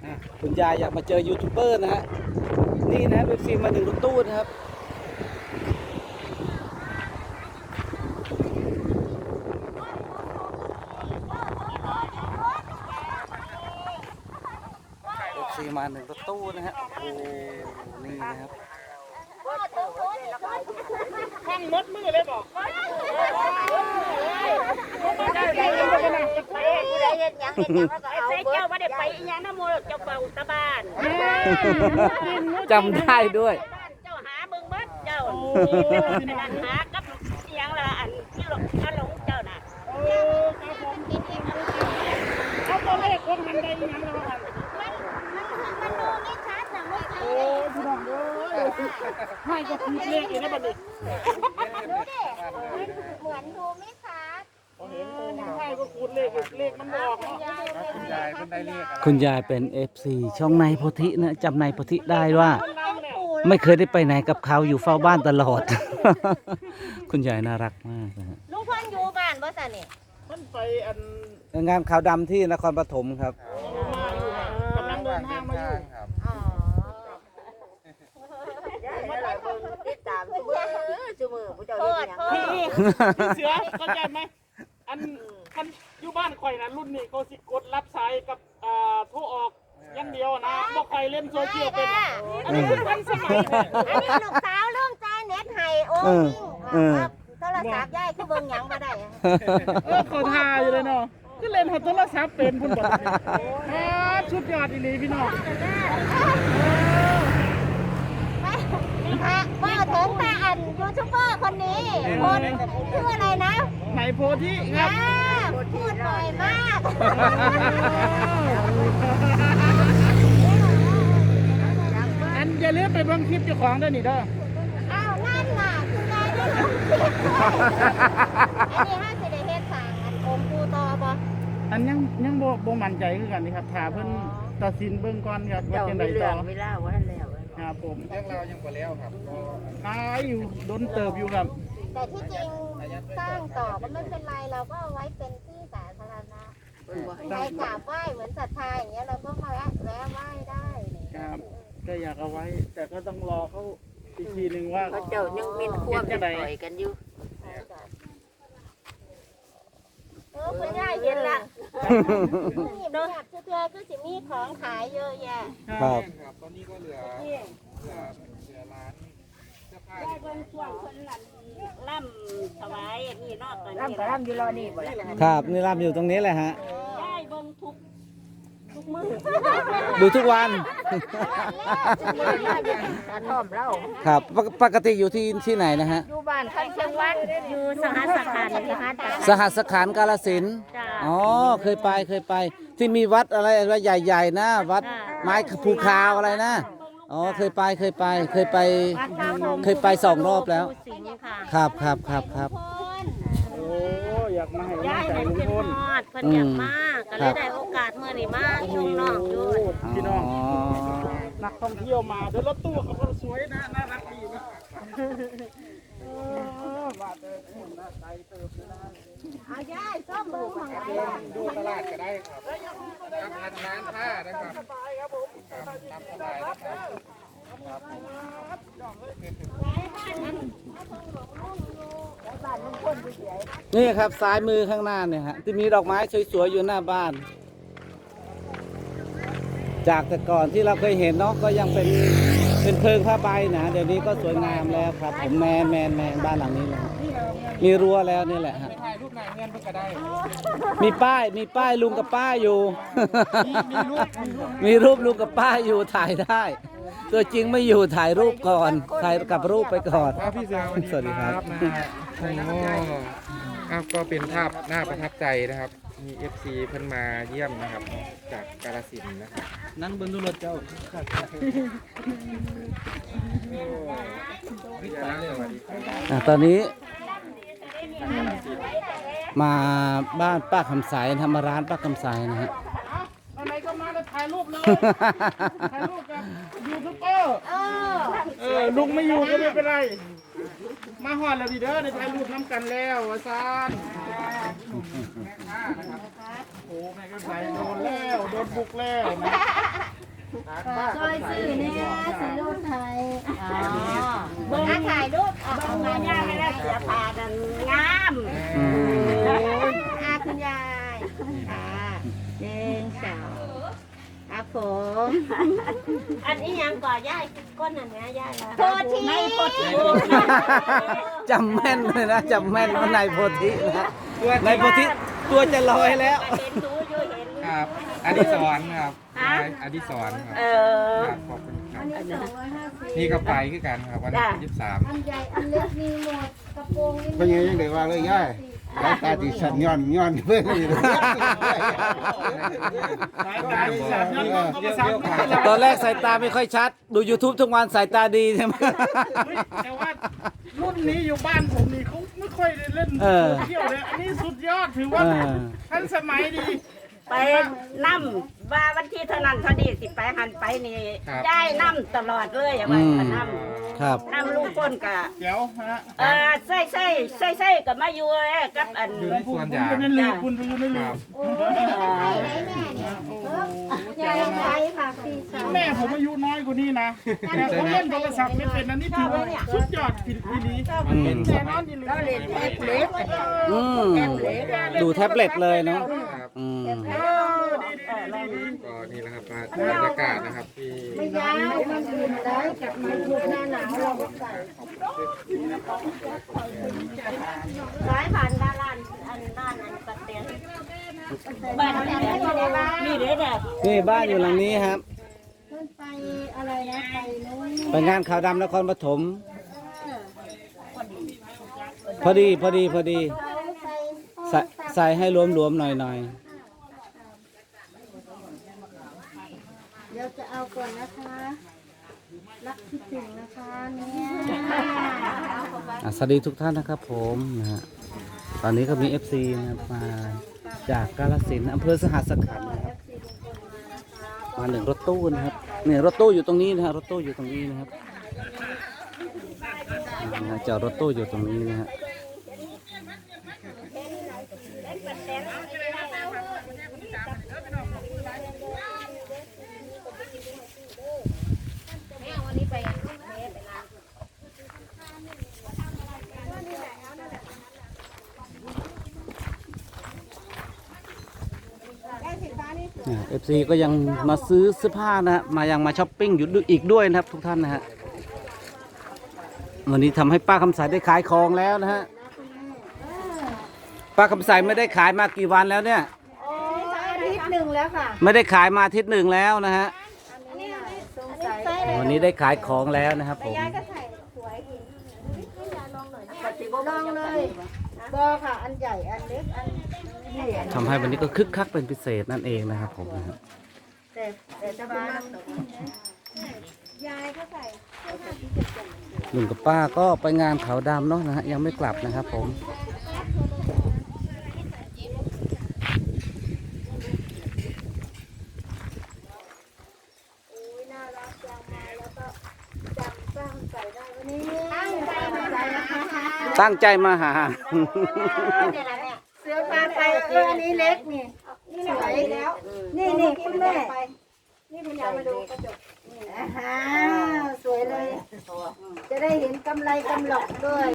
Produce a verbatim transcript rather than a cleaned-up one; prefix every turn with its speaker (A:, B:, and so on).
A: คุณยายอยากมาเจอยูทูบเบอร์นะฮะนี่นะเป็นฟิล์มมาหนึ่งรถตู้นะครับเป็นฟิล์มมาหนึ่งรถตู้นะฮะโอ้นี่นะครับ
B: ข้างรถมือเลยบอกใส่เจ้าว่าได้ไปอีหยังน้ำมูกเจ้าเป่าตะบ้าน
A: จำได้ด้วย
B: เจ้าหาเบิ่งเบิดเจ้าหากับอีหยังละอันที่หลงอันหลงเจ้าน่ะเอาตัวเลขคนมันได้อีหยังละมันมันดูไม่ชัดนะไม่ชัดโอ้พี่น้องเอ้ยให้ก็พูดเลขอีกนะบัดนี้
C: ดูดิเหมือนดูไม่ชัด
B: ให้ก็คูณเลขเลขมันบอก
C: คุณยายคุณยายเป็นได้เลข
A: คุณยายเป็น เอฟ ซี ช่องในโพธินะจำในโพธิได้ว่าไม่เคยได้ไปไหนกับเขาอยู่เฝ้าบ้านตลอด คุณยายน่ารักมากนะฮะ
C: ลุงเพิ่นอยู่บ้านบ่ซะนี่
B: เพิ่นไปอัน
A: งานขาวดำที่นครปฐมครับ
B: มาอยู่กำลังเดินทางมาอยู่
C: อ๋อติดตามซุมื้อซุมื้อผู้เจ้าเฮ็ดหยัง
B: พี่เสือเข้าใจไหมอันคันอยู่บ้านข่อยนะรุ่นนี้เขาสิกดรับสายกับอ่าโทรออกอย่างเดียวนะบ่ค่อยเล่นโซเชียลเป็นอันนี้คือทันสมัย
C: อันนี้ลูกสาวลุงใจเน็ตให้โอ้ยโทรศัพท์ยายคือเบิ่งหยังบ่ได้
B: เออเขาทาอยู่เลยเนาะคือเล่นโทรศัพท์เป็นพุ่นบ่ชุดยอดอีหลีพี่น้อง
C: ว่าถึงแต่อันยูทูบเบอร์คนนี้คนชื่ออะไรนะ
B: ไหนโพธิครับ
C: พูดบ่อยมาก
B: อันอย่าลืมไปเบิ่งคลิปเจ้าของด้วยนี่เด้อ
C: อ้าวนั่นน่ะคุณยายได้ลงคลิปอันนี้ห้าสิได้เฮ็ดสั่งอันองค์ปูตอบ่
B: อันยังยังบ่บ่มั่นใจคือกันนี่ครับถ้าเพิ่นตัดสินเบิ่งก่อนครับว่าจังได๋ต่อ
C: เวลาว่าแล้ว
B: ครับผม
D: เรื่องเรายังบ่แล้วครับ
B: ตายอยู่โดนเติบอยู่ครับ
C: แต่ที่จริงสร้างต่อก็ไม่เป็นไรเราก็เอาไว้เป็นที่สาธารณะใครกราบไหว้เหมือนศรัทธาอย่างเงี้ยเราก็มาแวะแวะไหว้ได้
B: ครับก็อยากเอาไว้แต่ก็ต้องรอเขาอีกทีนึงว่า
C: เขาเจ้ายังมีควบจะปล่อยกันอยู่เออคุณย่าเย็นละโดนหักเชื่อก็สิมีของขายเยอะแยะ
A: ครับ
D: ตอนนี้ก็เหลือเหลือเหลือร้านเสื้อผ้า
B: ได้เบิ่งช่วงคนหลังล่ำถวายนี่เนาะตอนนี้
C: ล่ำกับล่ำอยู่รอนี่บ่ล่ะ
A: ครับนี่รำอยู่ตรงนี้แหละฮะ
B: ได้เบิ่งทุกทุกมื้อ
A: ดูทุกวัน
C: กระท่อมเล่า
A: ครับปกติอยู่ที่ที่ไหนนะฮะ
C: อยู่บ้านคันเชียงวัดอยู่สหัสขันธ์
A: สหัสขันธ์กาฬสินธุ์อ๋อเคยไปเคยไปที่มีวัดอะไรอะไรใหญ่ๆนะวัดไม้ภูคาวอะไรนะอ๋อเคยไปเคยไปเคยไปเคยไปสองรอบแล้วครับครับครับครับ
B: โอ้อยากมาให้
E: ย้ายเห็นเป็นฮอดเพิ่นอยากมากก็เลยได้โอกาสเมื่อนี้มาชมน้องอยู่
B: พี่น้องนักท่องเที่ยวมาเดี๋ยวรถตู้เขาก็สวยนะน่ารักดีนะว่าเติมหุ่นนะใจเติมนะ
C: เอาย้ายซ่อมมือของไหน
D: ดูตลาดก็ได้ครับทำร้านผ้านะครับสบายครับผมทำสบายนะครับ
A: นี่ครับซ้ายมือข้างหน้าเนี่ยฮะที่มีดอกไม้สวยๆอยู่หน้าบ้านจากแต่ก่อนที่เราเคยเห็นเนาะก็ยังเป็นเป็นเพิงผ้าใบนะเดี๋ยวนี้ก็สวยงามแล้วครับผมแมนแมนแมนบ้านหลังนี้เลยมีรั้วแล้วนี่แหละฮะ
D: ถ่ายรูปไหนเงินเพิ่งก็ได้
A: มีป้ายมีป้ายลุงกับป้าอยู่มีรูปลุงกับป้าอยู่ถ่ายได้ตัวจริงไม่อยู่ถ่ายรูปก่อนถ่ายกับรูปไปก่อน
D: พี่เสือ
A: สวัสดีครับ
D: โอ้ครับก็เป็นภาพน่าประทับใจนะครับมี เอฟ ซี เพิ่นมาเยี่ยมนะครับจากกาฬสินธุ์นะครับ
A: นั่งบนรถเจ้าตอนนี้มาบ้านป้าคำใสทำมาร้านป้าคำใสนะฮะ
B: อะไรก็มาแล้วถ่ายรูปเลยถ่ายรูปกับยูทูบเบอร์เออลุงไม่อยู่ก็ไม่เป็นไรมาหอดแล้วดีเด้อในถ่ายรูปน้ำกันแล้วอาจารย์โอ้แม่ก็ใส่โดนแล้วโดนบุกแล้วนะ
C: ซอยสื่อเนี่ยสื่อรูปไทยอ๋อเบิ้งถ่ายรูปออกมาย่าไม่ได้เสียผ่าดันงาม
A: อืม
C: อาคุณยายค่ะหนึ่งสองครับผม
E: อันนี้ยังก่อย่ายก้นอันนี้ย่ายละ
C: โพธิไม่โพธิ
A: จำแม่นเลยนะจำแม่นว่านายโพธินะนายโพธิตัวจะลอยแล้ว
E: เห็นดูอยู่เห็น
D: ครับอดิศรครับอดิศรครับ
E: เออ
D: ครับขอบคุณครับนี่ก็ไปคือกันครับวันที่ยี่สิบสาม
C: อันใหญ่อันเล็กมีหมดกระโปรงนี่
F: เป็นยังยังไงว่าเลยย่ายสายตาติสันย้อนย้อนเพื่อนนี่
B: สายตาดีสัตว์นั่นก็ภาษาอังกฤษ
A: ตอนแรกสายตาไม่ค่อยชัด ดู YouTube ทุกวันสายตาดีใช่ไหม
B: แต่ว่ารุ่นนี้อยู่บ้านผมนี่เขาไม่ค่อยได้เล่น
A: เออ
B: โซเที่ยวเลยอันนี้สุดยอดถือว่า
A: เออ
B: ทันสมัยดี
G: ไปนั่มว่าวันที่เท่านั้นเท่านี้สิไปหันไปนี่ได้นั่มตลอดเลยอย่า
A: อื
G: ว่าม นั่ม
A: ครับ
G: นั่มลูกก้นกะ
B: เดี๋ยวฮะ
G: เออใส่ใส่ใส่ใส่กับมาอยู่เอ้ยกับอัน
D: อยู่ในสวนยาง
B: คุณนั่นเลยคุณคุณนั่น
D: ค
B: เล
D: รั
B: ย
D: บ
C: โอ้ยไหนแม่เนี่ยใหญ่ใหญ่ค่ะพี่สาว
B: แม่ผมอายุน้อยกว่านี้นะแต่เขาเล่นโทรศัพท์ไม่เป็นอันนี้ถือว่าสุดยอดผิดอีหลี
A: อืม
B: แน่นอนอีหลี
G: เล่นแท็บเล็ต
A: อืมดูแท็บเล็ตเลยเนาะ
D: ครับ
A: อืม
B: เออดีดีดีดี
D: ก็นี่นะครับมาบรรยากาศนะครับที่
C: ไม่ยาวมันยืนได้กับมันถูกหน้าหนาวเราก็ใส่
E: สายผ่านด้านล่างอันด้านอันกระเตียน
G: บ้านนี่แหละนี่เด้อแบบ
A: นี่บ้านอยู่หลังนี้ครับ
C: ขึ้นไปอะไรนะไปนู้น
A: ไปงานข่าวดำนครปฐมพอดีพอดีพอดี
C: เขาใส่
A: ใส่ใส่ให้หลวมๆหน่อยหน่อย
C: เดี๋ยวจะเอาก่อนนะคะ รักคิดถึงนะคะเนี่ย
A: ๆอ่ะสวัสดีทุกท่านนะครับผมนะฮะตอนนี้ก็มี เอฟ ซี นะครับมาจากกาฬสินธุ์อำเภอสหัสขันธ์นะครับมาหนึ่งรถตู้นะครับเนี่ยรถตู้อยู่ตรงนี้นะฮะรถตู้อยู่ตรงนี้นะครับนะฮะจอดรถตู้อยู่ตรงนี้นะฮะ เอฟซีก็ยังมาซื้อเสื้อผ้านะฮะมายังมาช้อปปิ้งอยู่อีกด้วยนะครับทุกท่านนะฮะวันนี้ทำให้ป้าคำสายได้ขายของแล้วนะฮะป้าคำสายไม่ได้ขายมากี่วันแล้วเนี่ย
C: โอ้อาทิตย์หนึ่งแล้วค่ะ
A: ไม่ได้ขายมาอาทิตย์หนึ่งแล้วนะฮะ
C: อันนี้สงสัย
A: วันนี้ได้ขายของแล้วนะครับผม
C: ยายก็ใส่สวยอีกลองเลยบอค่ะ อันใหญ่ อันเล็ก อันนี่
A: ทำให้วันนี้ก็คึกคักเป็นพิเศษนั่นเองนะครับผมนะฮะ
C: แต่แต่จะมากยายก็ใส่
A: ลุงกับป้าก็ไปงานเขาดำเนาะนะฮะยังไม่กลับนะครับผม
C: น่ารักจังมาแล้วก็จำตั้งใส่ได้วันนี้ตั้งใจมาใส่นะคะ
A: ตั้งใจมาหา
C: เสือพาไปเอออันนี้เล็กนี่สวยแล้ว นี่นี่คุณแม่นี่คุณยายมาดูกระจกนี่อ่าสวยเลย จะได้เห็นกำไรกำหลอกด้วย